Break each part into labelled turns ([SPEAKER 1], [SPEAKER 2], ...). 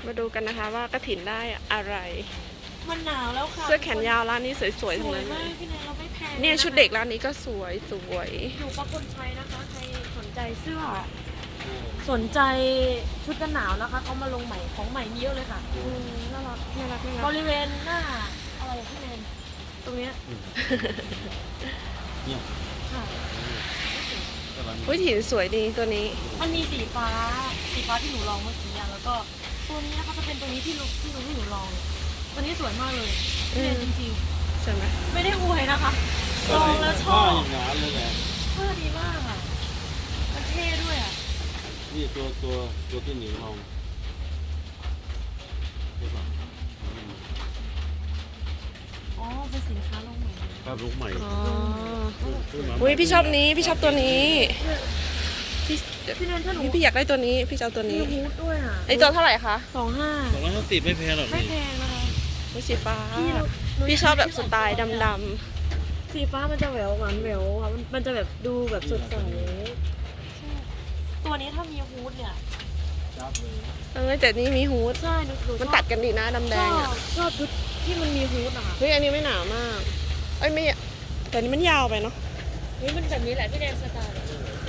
[SPEAKER 1] มาดูกันนะคะว่ากระถินได้อะไร
[SPEAKER 2] มันหนาวแล้วค่ะ
[SPEAKER 1] เสื้อแขนยาวร้านนี้สวยๆ
[SPEAKER 2] ส
[SPEAKER 1] ทั้ง
[SPEAKER 2] วย
[SPEAKER 1] นั้นเล
[SPEAKER 2] มาก
[SPEAKER 1] ย
[SPEAKER 2] พี่แนนเราไม่แพง
[SPEAKER 1] เนี่ยชุดเด็กร้านนี้ก็สวย
[SPEAKER 2] อยู่ปักคนชัยนะคะใครสนใจเสื้อสนใจชุดกันหนาวนะคะเขามาลงใหม่ของใหม่มีเยอะเลยค่ะ
[SPEAKER 1] น่ารักน่ารักน่า
[SPEAKER 2] บ
[SPEAKER 1] รัก
[SPEAKER 2] ริเวณหน้าอะไรอะพี่แนนตรงเนี้ย
[SPEAKER 3] เนี่ย
[SPEAKER 2] ค่ะ
[SPEAKER 1] อุ้ยถินสวยดีตัวนี้
[SPEAKER 2] มันมีสีฟ้าที่หนูลองเมื่อกี้อะแล้วก็ตัวนี้นะคะจะเป็นตัวนี้ที่หนูลองตัวนี้สวยมากเลยพี่แนนจริง
[SPEAKER 1] ใช่ไหม
[SPEAKER 2] ๆไม่ได้อวยนะคะลองแล้วชอ
[SPEAKER 3] ผ้า
[SPEAKER 2] บ
[SPEAKER 3] อย่างนั้นเลยแหละ
[SPEAKER 2] ผ้าดีมากอ่ะมันเท่ด้วยอ่ะ
[SPEAKER 3] นี่ตัวที่หนีลองใช่ป่ะ
[SPEAKER 2] อ๋อเป็นสินค้าลงใหม่
[SPEAKER 3] ภาพลุกใหม่
[SPEAKER 1] อ๋ออุ้ยพี่ชอบนี้พี่ชอบตัวนี้พี่
[SPEAKER 2] พี่แนนถ้าหนู
[SPEAKER 1] พี่อยากได้ตัวนี้พี่จะเอาตัว
[SPEAKER 2] มี
[SPEAKER 1] นี้
[SPEAKER 2] ฮูดด้วยอ่ะ
[SPEAKER 1] ไอตัวเท่าไหร่คะ
[SPEAKER 2] 25
[SPEAKER 3] 250ไม่แพงหรอก
[SPEAKER 2] ไม่
[SPEAKER 3] นี่
[SPEAKER 2] แพงนะคะ
[SPEAKER 1] อุ้ยสีฟ้า
[SPEAKER 2] พี่หนู
[SPEAKER 1] พี่ชอบแบบสไตล์ดำ
[SPEAKER 2] สีฟ้ามันจะแหววหวานแหววอ่ะมันจะแบบดูแบบสดใสใช่ตัวนี้ถ้ามีฮูดเนี่ย
[SPEAKER 3] จับเลย
[SPEAKER 1] ๆแต่นี่มีฮูด
[SPEAKER 2] ใช่หนู
[SPEAKER 1] มันตัดกันดีนะดำแดงอ่ะ
[SPEAKER 2] ชอบชุดที่มันมีฮูดนะคะ
[SPEAKER 1] เฮ้ยอันนี้ไม่หนามากเอ้ยไม่แต่อันนี้มันยาวไปเนาะ
[SPEAKER 2] นี่มันแบบนี้แหละพี่แนนสไตล์ใส่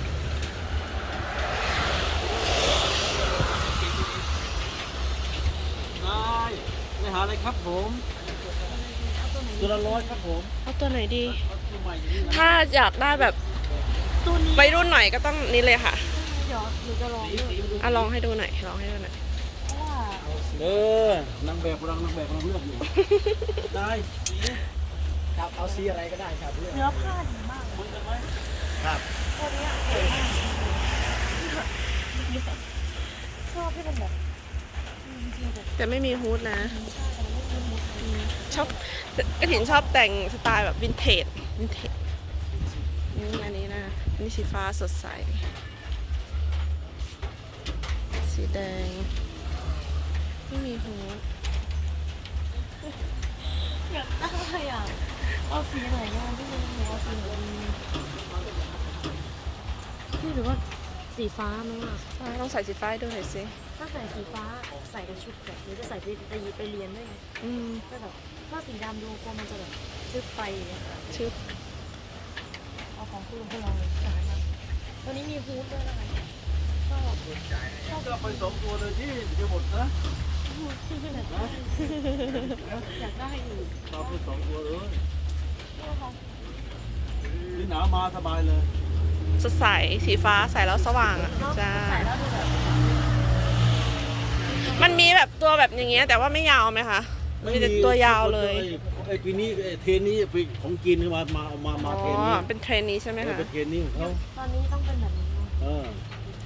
[SPEAKER 3] ได้ไม่หาอะไรครับผมตัวละ100ครับผม
[SPEAKER 1] เอาตัวไหนดี
[SPEAKER 3] ตัวใหม่อย่างนี้นะ
[SPEAKER 1] ถ้าอยากได้แบบ
[SPEAKER 2] ตัวนี้
[SPEAKER 1] วัยรุ่นหน่อยก็ต้องนี่เลยค่ะ
[SPEAKER 2] เดี๋ยวหนูจะลองด้วย
[SPEAKER 1] อ่ะลองให้ดูหน่อยลองให้ดูหน่อย
[SPEAKER 2] เพราะว่า
[SPEAKER 3] นางแบบกำลังเลือกอยู่ ได้สี
[SPEAKER 4] ครับเอาสีอะไรก็ได้ครับเลือก
[SPEAKER 2] เนื้อผ้าดีมาก
[SPEAKER 3] เหมือนกันไหม
[SPEAKER 4] ครับ
[SPEAKER 2] ตัวนี้สวยมากชอบที่มันแบบจริงๆแบบ
[SPEAKER 1] แต่ไม่มีฮูดนะ
[SPEAKER 2] ใช่แต่มันไม่มีมุด
[SPEAKER 1] ชอบกระถินชอบแต่งสไตล์แบบวินเทจอันนี้นะอันนี้สีฟ้าสดใส สีแดง ไม่มีฮูด
[SPEAKER 2] อยากได้อ่ะเอาสีไหนอ่ะพี่เมย์หนูเอาสีไหนดีพี่หรือว่าสีฟ้าไหมอ่ะ
[SPEAKER 1] ต้องใส่สีฟ้าให้ดูหน่อยสิ
[SPEAKER 2] ถ้าใส่สีฟ้าใส่กับชุดแบบนี้จะใส่ไปเรียนด้วยไง
[SPEAKER 1] อืม
[SPEAKER 2] ก็แบบถ้าสีดำดูกลัวมันจะแบบชึบไปอย่างเงี้ย
[SPEAKER 1] ชื่อ
[SPEAKER 2] เอาของคุณลุงคุณลองเลยนะคะตัวนี้มีฮูดด้วยนะคะชอบ
[SPEAKER 3] ก็ไป2ตัวเลยที่จะหมดนะ
[SPEAKER 2] อยากได้อยู่
[SPEAKER 3] เอาไป2ตัวเลย
[SPEAKER 2] เนี่ยค่ะ
[SPEAKER 3] นี่หนาวมาสบายเลย
[SPEAKER 1] สดใสสีฟ้าใส่แล้วสว่างอ่ะ
[SPEAKER 2] เนาะ
[SPEAKER 1] จ้า
[SPEAKER 2] ใส่แล้วดูแบบ
[SPEAKER 1] มันมีแบบตัวแบบอย่างเงี้ยแต่ว่าไม่ยาวไหมคะมันมีแต่ตัวยาวเลย
[SPEAKER 3] ไอ้ปีนี้ไอ้เทรนนี้ปีของจีนมา
[SPEAKER 1] อ๋อ
[SPEAKER 3] เทรนนี้
[SPEAKER 1] เป็นเทรนนี้ใช่ไหมคะ
[SPEAKER 3] เป็นเทรนนี้ของเขา
[SPEAKER 2] ตอนนี้ต้องเป็นแบบนี้เนาะ
[SPEAKER 3] เออ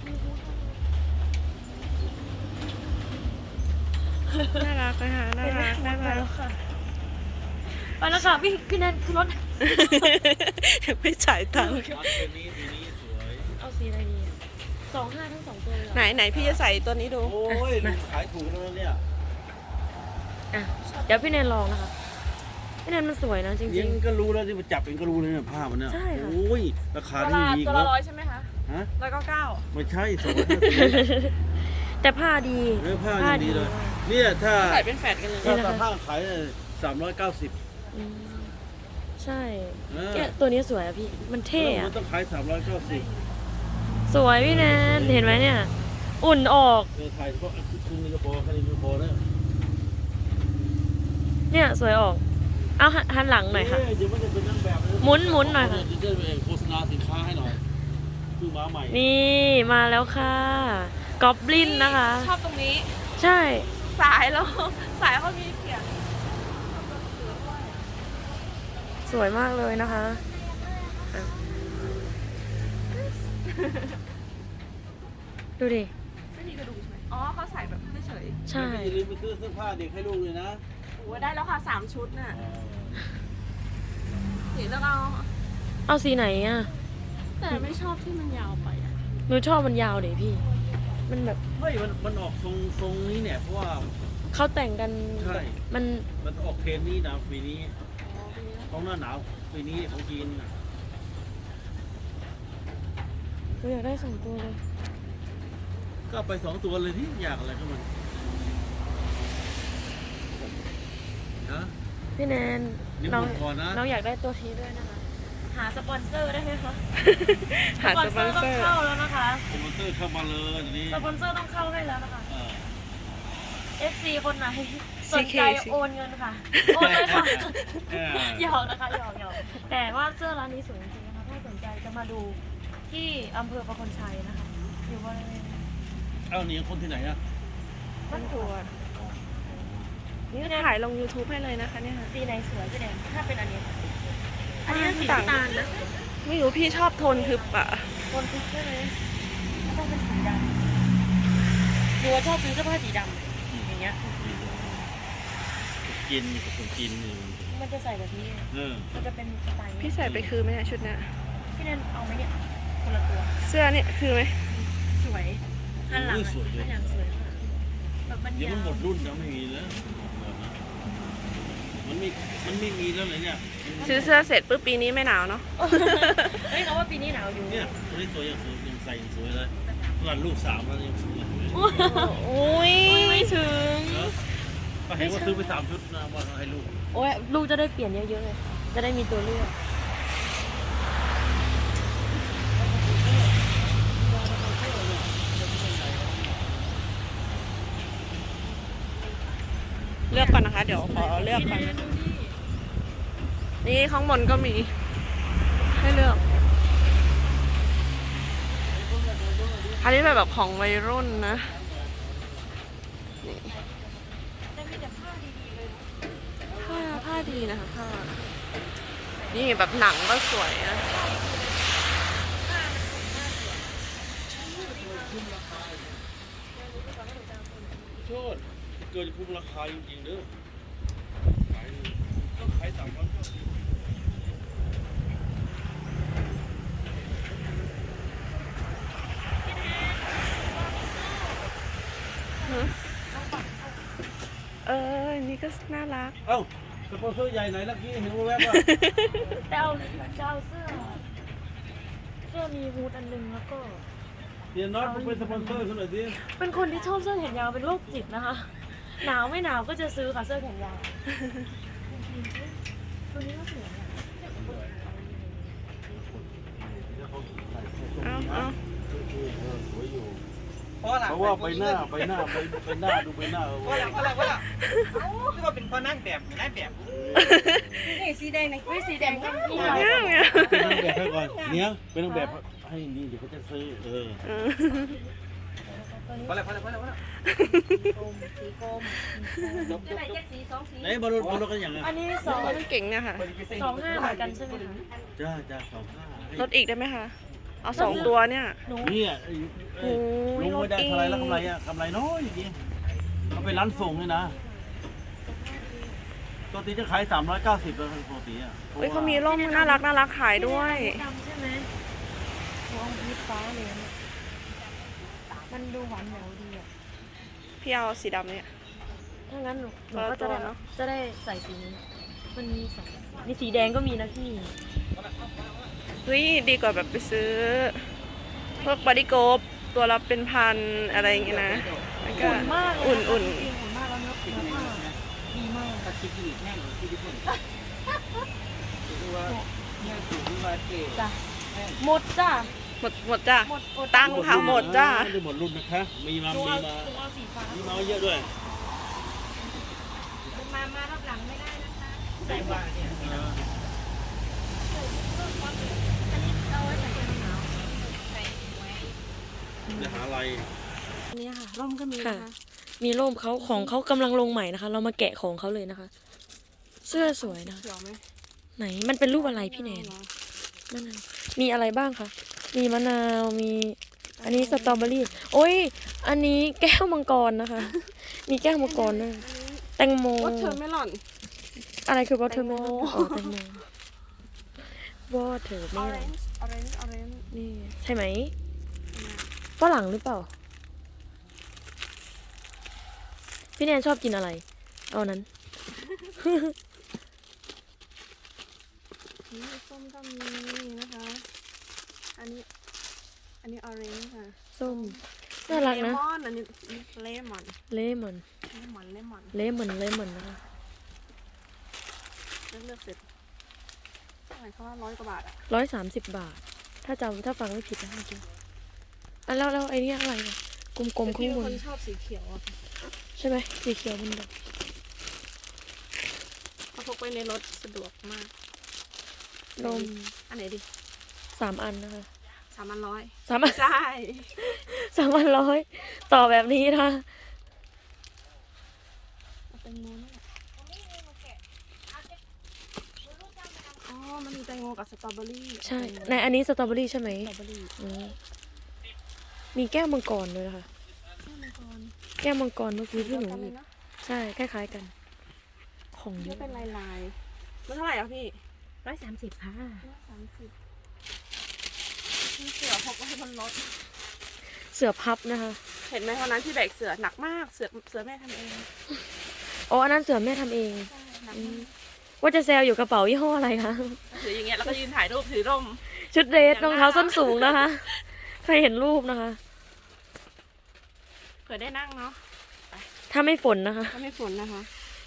[SPEAKER 1] น่ารักนะคะน่ารักน่า
[SPEAKER 2] ไป
[SPEAKER 1] รั
[SPEAKER 2] แล้
[SPEAKER 1] ก
[SPEAKER 2] วค่ะไปแล้วค่ะพี่แนนคือรถ
[SPEAKER 1] ไม่จ่ายตังค์
[SPEAKER 3] เทรนนี้ปีนี้สวย
[SPEAKER 2] เอาสีอะไรดีอะ25ทั้ง2ตัวเลยเหรอ
[SPEAKER 1] ไหนพี่จะใส่ตัวนี้ดู
[SPEAKER 3] โอ้ยขายถูกแล้วเนี่ย
[SPEAKER 2] อ่ะเดี๋ยวพี่แนนลองนะคะพี่แนนมันสวยนะจ
[SPEAKER 3] ยิ
[SPEAKER 2] ริง
[SPEAKER 3] งก็รู้แล้วที่มาจับเองก็รู้เลยเนี่ยผ้ามันเนี่ย
[SPEAKER 2] ใช่ค่ะ
[SPEAKER 3] โอ้ยราคา
[SPEAKER 1] ตัว
[SPEAKER 3] ที่
[SPEAKER 1] ละ
[SPEAKER 3] มีอีก
[SPEAKER 1] ตัว
[SPEAKER 3] แล้
[SPEAKER 1] ละ
[SPEAKER 3] ว
[SPEAKER 1] 100ใช่ไหมคะ
[SPEAKER 3] ฮะ
[SPEAKER 1] 199
[SPEAKER 3] ไม่ใช่250
[SPEAKER 2] ๆ แต่ผ้าดี
[SPEAKER 3] เนื้อผ้ายังดีเลย เนี่ยถ้า
[SPEAKER 1] ใส่เป็นแฟดกันเลย
[SPEAKER 3] ถ้าผ้าขาย390
[SPEAKER 2] อืมใช่
[SPEAKER 3] เออ
[SPEAKER 2] เนี่ยตัวนี้สวยอะพี่มันเท่
[SPEAKER 3] มั
[SPEAKER 2] อะ
[SPEAKER 3] นต้องขาย390
[SPEAKER 2] สวยพี่แนนเห็นไหมเนี่ย อุ่นออก
[SPEAKER 3] ถ่ายเฉพาะคุณนี่ก็พอแค่นี้ก็พอแล้ว
[SPEAKER 2] เนี่ยสวยออก เอาหันหลังหน่อยค่ะ
[SPEAKER 3] เดี๋ยวมันจะเป็นนางแบบเลย
[SPEAKER 2] หมุนหน่อยค่ะ
[SPEAKER 3] จะได้โฆษณาสินค้าให้หน่อยคือม้าใหม่
[SPEAKER 2] นี่มาแล้วค่ะกอบลินนะคะ
[SPEAKER 1] ชอบตรงนี้
[SPEAKER 2] ใช่
[SPEAKER 1] สายแล้วสายเขามีเขียน
[SPEAKER 2] สวยมากเลยนะคะอ่ะดูดิ
[SPEAKER 1] ไม่มีกระดูกใช่ไหมอ๋อเขาใส่แบบเฉย
[SPEAKER 2] ใช่
[SPEAKER 3] อย่าลืมไปซื้อเสื้อผ้าเด็กให้ลูกเลยนะ
[SPEAKER 1] ๆโอ้ได้แล้วค่ะ3 ชุดน่ะสีแล้วเอา
[SPEAKER 2] เอาสีไหนอ่ะ
[SPEAKER 1] แต่ไม่ชอบที่มันยาวไปอ่ะ
[SPEAKER 2] หนูชอบมันยาวเดี๋ยพี่ มันแบบ
[SPEAKER 3] ไม่มันออกทรงนี้เนี่ยเพราะว่า
[SPEAKER 2] เขาแต่งกัน
[SPEAKER 3] ใช่
[SPEAKER 2] มัน
[SPEAKER 3] มันออกเทรนนี้นะปีนี้ของหน้าหนาวปีนี้ของจีนน่ะ
[SPEAKER 2] หนูอยากได้2 ตัวเลย
[SPEAKER 3] ก็ไป2 ตัวเลยที่อยากอะไรก็มันฮะ
[SPEAKER 2] พี่แนน
[SPEAKER 3] นี่
[SPEAKER 2] น้
[SPEAKER 3] ห
[SPEAKER 2] อง
[SPEAKER 3] มดก่อนนะ
[SPEAKER 2] น้องอยากได้ตัวนี้ด้วยนะคะ หาสปอนเซอร์ได้ไหมคะ
[SPEAKER 1] หาสปอน
[SPEAKER 2] ต้
[SPEAKER 1] เซ
[SPEAKER 2] อ
[SPEAKER 1] อง ร์
[SPEAKER 2] เข้าแล้วนะคะ
[SPEAKER 3] สปอนเซอร์เข้ามาเลยตอนนี้
[SPEAKER 2] สปอนเซอร์ต้องเข้าให้แล้วนะคะ
[SPEAKER 3] เออ
[SPEAKER 2] FC คนไหนสนใจโอนเงินค่ะ โอนเลยค่ะ
[SPEAKER 3] เออ
[SPEAKER 2] หยอกนะคะหยอกแต่ว่าเสื้อร้านนี้สวยจริงๆนะคะถ้าสนใจจะมาดูที่อำเภอประคนชัยนะคะอยู่บริเวณ
[SPEAKER 3] เอ้านี่คนที่ไหนอะ
[SPEAKER 1] บ้านถั่วนี่ถ่ายลง YouTube ให้เลยนะคะเนี่ยค่ะ
[SPEAKER 2] สีไหนสวยพี่แนนถ้าเป็นอันนี้ค่ะอันนี้สีน้ำตาลนะ
[SPEAKER 1] ไม่รู้พี่ชอบโทนทึบอะ
[SPEAKER 2] บนทุกใช่ไหมต้องเป็นสีดำหนูว่าชอบซื้อเสื้อผ้าสีดำอย่างเงี้ย
[SPEAKER 3] กินกับคนกินนี่
[SPEAKER 2] มันจะใส่แบบนี้
[SPEAKER 3] เออ
[SPEAKER 2] มันจะเป็นสไตล์นี้
[SPEAKER 1] พี่ใส่ไปคือไหมเนี่ยชุดเนี้ย
[SPEAKER 2] พี่แนนเอาไหมเนี่ยคนละตัว
[SPEAKER 1] เสื้อเนี่ยคือไหม
[SPEAKER 2] สวยอันหลังอะอันหลังสวยค่ะแบบมัน
[SPEAKER 3] เดี๋ยวย
[SPEAKER 2] า
[SPEAKER 3] มันหม
[SPEAKER 2] ว
[SPEAKER 3] ดรุ่นแล้วไม่มีแล้วมันไม่มีแล้วเลยเนี่ย
[SPEAKER 1] ซื้อเสื้อเสร็จปุ๊บปีนี้ไม่หนาวเนาะ
[SPEAKER 2] เฮ้ยเขาว่าปีนี้หนาวอยู่
[SPEAKER 3] เนี่ยตัวนี้สวยยังใส่ยังสวยเลยตอนลูก3แล้วยังสวยเลย
[SPEAKER 1] อุ้ยไม่ถึง
[SPEAKER 3] เนอะก็เห็นว่าซื้อไป3ชุดนะว่าให้ลูก
[SPEAKER 2] โอ้ยลูกจะได้เปลี่ยนเยอะๆเลยจะได้มีตัวเลือก
[SPEAKER 1] เลือกก่อนนะคะ เดี๋ยวขอเลือกก่อนนี่ข้างบนก็มี ให้เลือก อันนี้แบบของวัยรุ่นนะนี่
[SPEAKER 2] แต่มีแต่ผ้าดีๆเลย
[SPEAKER 1] ผ้าดีนะคะผ้า นี่แบบหนังก็สวยนะ
[SPEAKER 3] โทษเกินคุ้มราคาจริงๆเด้อขายต้องขาย3,000
[SPEAKER 1] นี่ก็น่ารัก
[SPEAKER 3] เอ้าสปอนเซอร์ใหญ่ไหนลักกี้เห็นว่าแวบว่า
[SPEAKER 2] แต่เอาจะเอาเสื้อมีฮูดอันหนึงแล้วก็
[SPEAKER 3] เดี๋ยวน็อตเป็นสปอนเซอร์คุณหน่อยดิ
[SPEAKER 2] เป็นคนที่ชอบเสื้อแขนยาวเป็นโรคจิตนะคะ หนาวไม่หนาวก็จะซื้อค่ะเสื้อแขนยาวตัวนี้ก็สวยอะ
[SPEAKER 1] เอา
[SPEAKER 3] เพราะว่าไปหน้าดูไปหน้า
[SPEAKER 4] ว่าละที่ว่าเป็นพ่อนั่งแบบนายแบบ
[SPEAKER 2] นี่สีแดงนะสีแดงก็มี
[SPEAKER 1] เนี่ย
[SPEAKER 3] เป็นนางแบบให้ก่อนเนี้ยเป็นนางแบบให้นี่เดี๋ยวเขาจะซื้อ
[SPEAKER 4] ว่าละ
[SPEAKER 3] ไหนบอลรถกันอย่างไง
[SPEAKER 2] อันนี้
[SPEAKER 1] มันเก่งเนี่ยค่ะ
[SPEAKER 2] 25เหมือนกันใช่ไหมคะ
[SPEAKER 3] จ้า25
[SPEAKER 1] ลดอีกได้ไหมคะ เอา2 ตัวเนี่ย
[SPEAKER 2] หนู
[SPEAKER 3] เนี่ย
[SPEAKER 1] โอ้ย
[SPEAKER 3] ลุงไม่ได้เท่าไรแล้วกำไรอ่ะกำไรน้อยจริงเขาไปร้านส่งเลยนะปกติจะขาย390แล้วปกติอ่ะ
[SPEAKER 1] เฮ้ยเขามีร่มน่ารักขายด้วย
[SPEAKER 2] ดำใช่ไหมหัวอมพีฟ้าเลยเนี่ยมันดูหวานแหววดีอ่ะ
[SPEAKER 1] พี่เอาสีดำเนี่ย
[SPEAKER 2] ถ้างั้นหนู
[SPEAKER 1] คนละ
[SPEAKER 2] ก็
[SPEAKER 1] ตัวเนอะ
[SPEAKER 2] จะได้ใส่สีนี้ มันมีสองนี่สีแดงก็มีนะพี่
[SPEAKER 1] เฮ้ยดีกว่าแบบไปซื้อพวกบอดี้โกบตัวละเป็นพันอะไรอย่างเงี้ยนะแล้วก็
[SPEAKER 2] อุ่นมากเลย
[SPEAKER 1] อุ่น
[SPEAKER 2] จริงอุ่นมากแล้วเนื้อผ้าดีมาก
[SPEAKER 4] ตัดคิดอีกแน่เลยที่ญี่ปุ่นคือว่าเนี่ยคือว่าเก๋
[SPEAKER 2] จ้ะหมดจ้ะ
[SPEAKER 1] หมดจ้ะ
[SPEAKER 2] หมด
[SPEAKER 1] ตังค่ะหมดจ้ะ
[SPEAKER 3] ไม่ได้หมดรุ่นนะคะมีมา
[SPEAKER 2] หนูเอาสีฟ้า
[SPEAKER 3] เยอะด้วย
[SPEAKER 2] มารับหลังไม่ได้นะคะ
[SPEAKER 4] ใส่ว่าเนี่ย
[SPEAKER 2] อันนี้เอาไว้ใส่กันหนาว
[SPEAKER 3] จะหาอะไร
[SPEAKER 2] อันนี้ค่ะร่มก็มีนะคะมีร่มเขาของเขากำลังลงใหม่นะคะ เรามาแกะของเขาเลยนะคะ เสื้อสวยนะ
[SPEAKER 1] เขียวไหม
[SPEAKER 2] ไหนมันเป็นรูปอะไรพี่แนนมะนาวมีอะไรบ้างคะมีมะนาวมีอันนี้สตรอเบอรี่โอ้ยอันนี้แก้วมังกรนะคะ มีแก้วมังกรด้วยแตงโม
[SPEAKER 1] วอเทอร์เมลอน
[SPEAKER 2] อะไรคือวอเทอร์เมลอนอ๋อแตงโมวอเทอร์เม
[SPEAKER 1] ออ
[SPEAKER 2] ล
[SPEAKER 1] เร
[SPEAKER 2] อน
[SPEAKER 1] นจ์ออเรนจ์ออเรนจ์
[SPEAKER 2] นี่ใช่ไหมฝรั่งหรือเปล่า พี่แนนชอบกินอะไร เอานั้น
[SPEAKER 1] นี่ส้มก็มีนะคะ อันนี้ออเรนจ์ค่ะ
[SPEAKER 2] ส้มน่ารักนะ
[SPEAKER 1] เลมอนอันนี้เลมอน
[SPEAKER 2] เลมอน
[SPEAKER 1] เลมอน
[SPEAKER 2] เลมอนนะคะ
[SPEAKER 1] เลือกเสร็จเท่าไหร่เขาว่า100 กว่าบาทอะ
[SPEAKER 2] 130 บาท ถ้าฟังไม่ผิดนะเมื่อกี้อ่ะแล้วไอ้นี่อะไรเนี่ยกลมๆ
[SPEAKER 1] พี่
[SPEAKER 2] ข้าง
[SPEAKER 1] เป็น
[SPEAKER 2] บ
[SPEAKER 1] คน นชอบสีเขียวอะ
[SPEAKER 2] ใช่ไหมสีเขียวมันแบบ
[SPEAKER 1] เขาพกไปในรถสะดวกมาก
[SPEAKER 2] นม
[SPEAKER 1] อันไหนดิ
[SPEAKER 2] 3 อันนะคะ
[SPEAKER 1] 3,100
[SPEAKER 2] 3 อัน
[SPEAKER 1] ใช่
[SPEAKER 2] 3,100ต่อแบบนี้นะคะ
[SPEAKER 1] เอาแตงโมนี่แหละอ๋อมันมีแตงโมกับสตรอเบอรี่
[SPEAKER 2] ใช่ในอันนี้สตรอเบอรี่ใช่ไหม
[SPEAKER 1] สตรอเบอรี่
[SPEAKER 2] อืมมีแก้วมังกรด้วยนะคะ แก้วมังกรเมื่อกี้ที่หนู
[SPEAKER 1] กัน
[SPEAKER 2] ห
[SPEAKER 1] เล
[SPEAKER 2] ยิ
[SPEAKER 1] ย
[SPEAKER 2] บ
[SPEAKER 1] นะ
[SPEAKER 2] ใช่คล้ายๆกัน ของเย
[SPEAKER 1] นี่
[SPEAKER 2] อะ
[SPEAKER 1] เป็นลายๆมันเท่าไหร่อ่ะพี่
[SPEAKER 2] 130ค่ะ
[SPEAKER 1] 130มีเสือพกไว้บนรถ
[SPEAKER 2] เสือพับนะคะ
[SPEAKER 1] เห็นไหมวันนั้นที่แบกเสือหนักมากเสือแม่ทำเอง
[SPEAKER 2] อ๋ออันนั้นเสือแม่ทำเอง
[SPEAKER 1] ใช่หนัก
[SPEAKER 2] อื
[SPEAKER 1] มาม ก
[SPEAKER 2] ว่าจะแซวอยู่กระเป๋ายี่ห้ออะไรคะ
[SPEAKER 1] ถืออย่างเงี้ยแล้วก็ยืนถ่ายรูปถือร่ม
[SPEAKER 2] ชุดเดรสรองเท้าส้นสูงนะคะ ใครเห็นรูปนะคะ
[SPEAKER 1] เผื่อได้นั่งเนาะ
[SPEAKER 2] ถ้าไม่ฝนนะคะ
[SPEAKER 1] ถ้าไม่ฝนนะคะ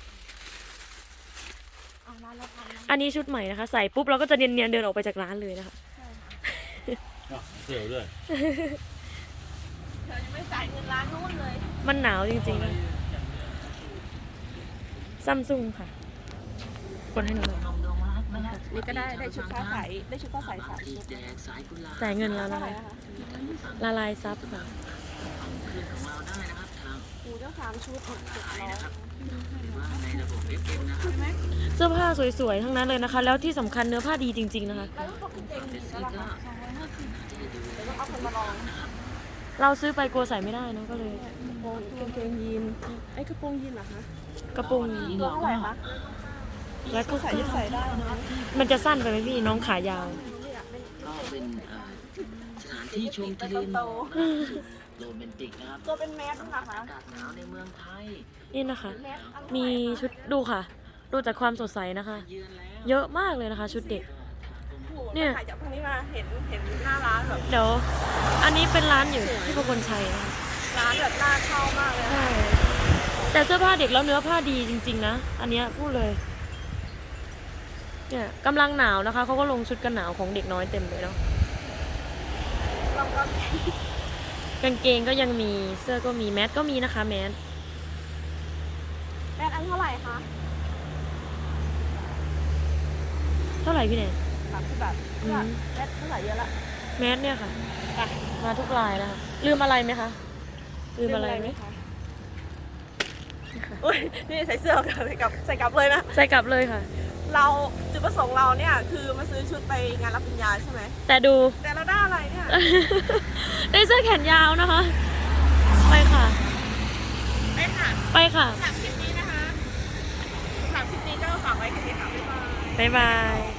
[SPEAKER 1] เอาร้านละพันนะ
[SPEAKER 2] อันนี้ชุดใหม่นะคะ ใส่ปุ๊บเราก็จะเนียนๆเดินออกไปจากร้านเลยนะคะ
[SPEAKER 3] เสือด้วย
[SPEAKER 1] เธอยังไม่จ่ายเงินร้านนู้นเลย
[SPEAKER 2] มันหนาวจริงๆนะซัมซุงค่ะ กดให้หนูหน่อย
[SPEAKER 1] นี่ก็ได้ชุดฟ้าใสได้ชุดฟ้าใส3 ชุด
[SPEAKER 2] จ่ายเงินแล้ว
[SPEAKER 1] เท่า
[SPEAKER 2] นะ
[SPEAKER 1] ไหร่
[SPEAKER 2] คะ
[SPEAKER 1] นะคะ
[SPEAKER 2] ละลายซับค่ะ
[SPEAKER 1] หมูเจ้า3 ชุด700
[SPEAKER 2] เสื้อผ้าสวยๆ ทั้งนั้นเลยนะคะ แล้วที่สำคัญเนื้อผ้าดีจริงๆนะคะ
[SPEAKER 1] แล้วพวกกางเกงยีนส์แล้วล่ะคะเดี๋ยวต้องเอาคนมาลอง
[SPEAKER 2] เราซื้อไปกลัวใส่ไม่ได้เนอะก็เลย
[SPEAKER 1] กางเกงยีนไอ้กระโปรงยีนเหรอคะ
[SPEAKER 2] กระโปรง
[SPEAKER 1] ตัวเท่าไหร่คะ
[SPEAKER 2] แล้วก็
[SPEAKER 1] ใส่จะใส่ได้นะ
[SPEAKER 2] มันจะสั้นไปไหมพี่น้องขายาว
[SPEAKER 4] ก็เป็นสถานที่ชมทะเลหม
[SPEAKER 1] โต
[SPEAKER 4] อกโรแมนติกนะครับ
[SPEAKER 1] ตัวเป็นแมสนะคะ
[SPEAKER 4] อากาศหนาวในเมืองไทย
[SPEAKER 2] นี่นะคะ
[SPEAKER 1] แมสอัน
[SPEAKER 2] มีชุดดูค่ะ ดูจากความสดใสนะคะ
[SPEAKER 4] เยือนแล้ว
[SPEAKER 2] เยอะมากเลยนะคะ ชุดเด็ก เนี่
[SPEAKER 1] เนี่ย ยถ่ายจากตรงนี้มาเห็นหน้าร้านแบบ
[SPEAKER 2] เดี๋ยว อันนี้เป็นร้านอยู่ที่ประกลชัยนะคะ
[SPEAKER 1] ร้านแบบน่าเข้ามากเลย
[SPEAKER 2] ใช่ แต่เสื้อผ้าเด็กแล้วเนื้อผ้าดีจริงๆนะ อันเนี้ยพูดเลย เนี่ยกำลังหนาวนะคะ เขาก็ลงชุดกันหนาวของเด็กน้อยเต็มเลยเนาะ
[SPEAKER 1] เราก็
[SPEAKER 2] กางเกงก็ยังมี เสื้อก็มี แมสก็มีนะคะ แมส
[SPEAKER 1] แมสอันเท่าไหร่คะ
[SPEAKER 2] เท่าไหร่พี่แนน
[SPEAKER 1] 30 บาท
[SPEAKER 2] อืม
[SPEAKER 1] แมสเท่าไหร่เยอะละ
[SPEAKER 2] แมสเนี่ยค่ะ มาทุกลายนะคะ ลืมอะไรไหมคะ ลืมอะไรไหม
[SPEAKER 1] คะอุ้ยนี่ใส่เสื้อใส่กลับเลยนะ
[SPEAKER 2] ใส่กลับเลยค่ะ
[SPEAKER 1] เราจุดประสงค์เราเนี่ยคือมาซื้อชุดไปงานรับปริญญาใช่ไหม
[SPEAKER 2] แต่ดู
[SPEAKER 1] แต่เราได้อะไรเนี่ย
[SPEAKER 2] ได้เสื้อแขนยาวนะคะ ไปค่ะ
[SPEAKER 1] ไปค่ะ
[SPEAKER 2] ไปค่ะ
[SPEAKER 1] สำหรับคลิปนี้นะคะสำหรับคลิปนี้ก็ฝากไว้แค่นี้ค่ะบ๊ายบาย
[SPEAKER 2] บ๊ายบาย